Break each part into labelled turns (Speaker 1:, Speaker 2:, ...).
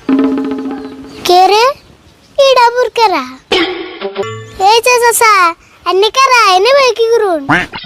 Speaker 1: কে রে ইডা বুরকেরা এই যে চাচা এনে কারা এনে ভাই কি করুন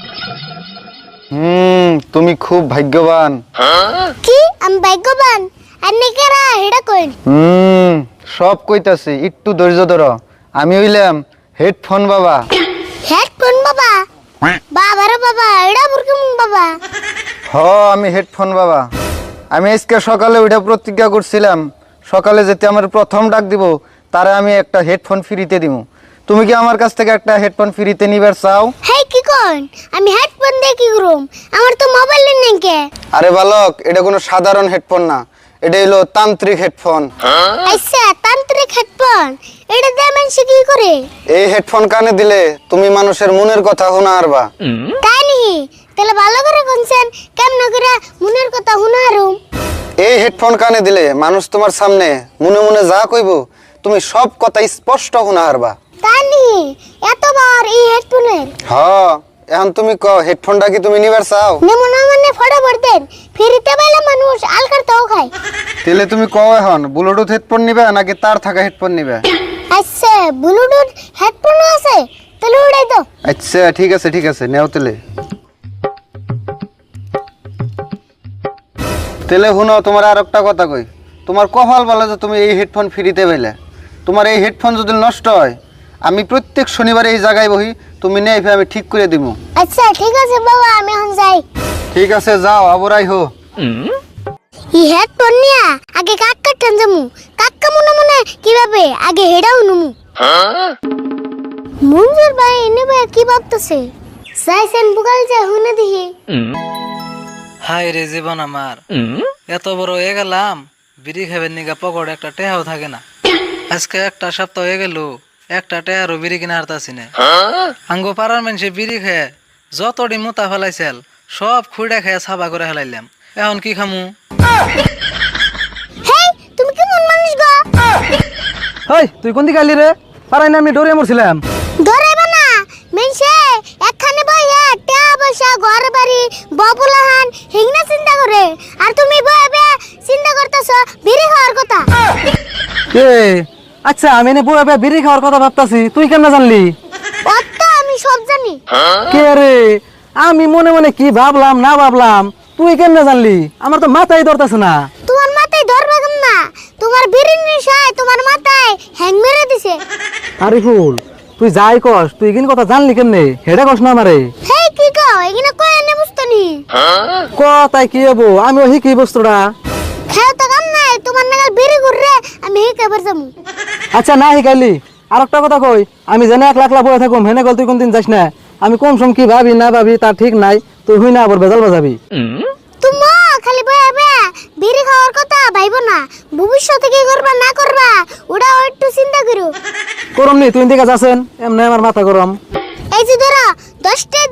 Speaker 2: তুমি খুব ভাগ্যবান।
Speaker 1: কি আমি ভাগ্যবান এনে কারা হেডা কইন
Speaker 2: সব কইতাছি, একটু ধৈর্য ধরো। আমি হইলাম হেডফোন বাবা।
Speaker 1: হেডফোন বাবা বাবা রে বাবা এডা বুরকে মুন বাবা
Speaker 2: আমি হেডফোন বাবা। আমি আজকে সকালে ওইটা প্রতিজ্ঞা করছিলাম, সকালে যেতে আমার প্রথম ডাক দিব তারে আমি একটা হেডফোন ফ্রিতে দিব। তুমি কি আমার কাছ থেকে একটা হেডফোন ফ্রিতে নিবার চাও?
Speaker 1: হেই কি কইন আমি হেডফোন দিয়ে কি করুম আমার তো মোবাইল নেই কে
Speaker 2: আরে বালক, এটা কোনো সাধারণ হেডফোন না, এটা হলো তান্ত্রিক হেডফোন।
Speaker 1: আচ্ছা তান্ত্রিক হেডফোন এটা দিয়ে মানুষ কি করে
Speaker 2: এই হেডফোন কানে দিলে তুমি মানুষের মনের কথা শোনা পারবা।
Speaker 1: তাই নি তাহলে ভালো করে কোনছেন কেমন করে মনের কথা শুনারুম
Speaker 2: এই হেডফোন কানে দিলে মানুষ তোমার সামনে মনে মনে যা কইব তুমি সব কথা স্পষ্ট শোনা পারবা।
Speaker 1: তাই নি এতবার এই হেডফোনের
Speaker 2: এখন তুমি কও হেডফোনটা কি তুমি নিবার চাও?
Speaker 1: নেমো না মানে ফটাফট দেন ফ্রিতে পাইলে মানুষ আলকার তাও খায়।
Speaker 2: তাহলে তুমি কও এখন ব্লুটুথ হেডফোন নিবে নাকি তার থাকা হেডফোন নিবে?
Speaker 1: আচ্ছা ব্লুটুথ হেডফোন আছে তাহলে উড়াই দাও।
Speaker 2: আচ্ছা ঠিক আছে নেও তাহলে। তাহলে শুনো, তোমার আর একটা কথা কই, তোমার কপাল বলে যে তুমি এই হেডফোন ফ্রিতে পেলে। তোমার এই হেডফোন যদি নষ্ট হয় আমি প্রত্যেক শনিবারে এই জায়গায় বহি, তুমি নেই আমি ঠিক করে দিব।
Speaker 1: আচ্ছা ঠিক আছে বাবা আমি এখন যাই।
Speaker 2: ঠিক আছে যাও, আবরাই হো।
Speaker 1: এই হেডফোন নিয়া আগে কাক্কা টান যামু কাক্কা মনে মনে কিভাবে আগে হেডাও নুমু। মঞ্জুর ভাই এনে ভাই কি ভাবতেছে যাইছেন বুকাল যা হুনে দিহি।
Speaker 3: হাই রে জীবন আমার, এত বড় হয়ে গেলাম বিড়ি খাবেন নিগা পকড় একটা টেহাও থাকে না। আজকে একটা সপ্তাহ হয়ে গেল একটা টেহারও বিড়ি কিনা হারতাছি না। আঙ্গো পাড়ার মানুষে বিড়ি খেয়ে যতটি মোতা ফেলাইছিল সব খুঁড়া খেয়ে সাবা করে ফেলাইলাম। এখন কি খামু?
Speaker 1: হেই তুমি কি মন মানুষ গো
Speaker 4: হেই তুই কোন দিকে আইলি রে? পারাই না আমি ডরে মরছিলাম।
Speaker 1: ধরেবা না মেনছে একখানে বইয়া টা বসা ঘর বাড়ি ববুলাহান হিংনা চিন্তা করে আর তুমি বইবে চিন্তা করতেছো বিড়ি খাওয়ার কথা।
Speaker 4: এ আচ্ছা আমি এনে বউয়া বিড়ি খাওয়ার কথা ভাবতাছি, তুই কেন জানলি?
Speaker 1: অত আমি সব জানি।
Speaker 4: কে রে আমি মনে মনে কি ভাবলাম না ভাবলাম, তুই কেন জানলি? আমার তো মাথায় ধরতেছে না।
Speaker 1: তোমার মাথায় ধরবে কেন না তোমার বিড়ির নেশায় তোমার মাথায় হ্যাং মেরে দিছে।
Speaker 4: আরে ফুল তুই যাই কস, তুই কিন কথা জানলি কেমনে? হেডা কস না আমারে।
Speaker 1: হেই কি কও এখানে কই এনে বুঝতনি
Speaker 4: কথাই কি হবো, আমি ওই কি বস্তুটা।
Speaker 1: খেও তো কাম নাই তোমার নাগাল বিড়ি ঘুররে আমি হে কবার যামু।
Speaker 4: আচ্ছা না শিখাইলি আর একটা কথা কই, আমি জেনে এক লাখ লাখ বয়ে থাকুম হেনে গল তুই কোনদিন যাস না। আমি কম সম কি ভাবি না ভাবি তার ঠিক নাই, তুই হুই না আবার বেজাল বাজাবি।
Speaker 1: তুমি খালি বইবে বিড়ি খাওয়ার কথা ভাইবো না, ভবিষ্যতে কি করবা না করবা ওটা একটু চিন্তা করো।
Speaker 4: করম নি তুই দিকে যাচ্ছেন এমনি আমার মাথা গরম।
Speaker 1: এই যে ধরো 10 টাকা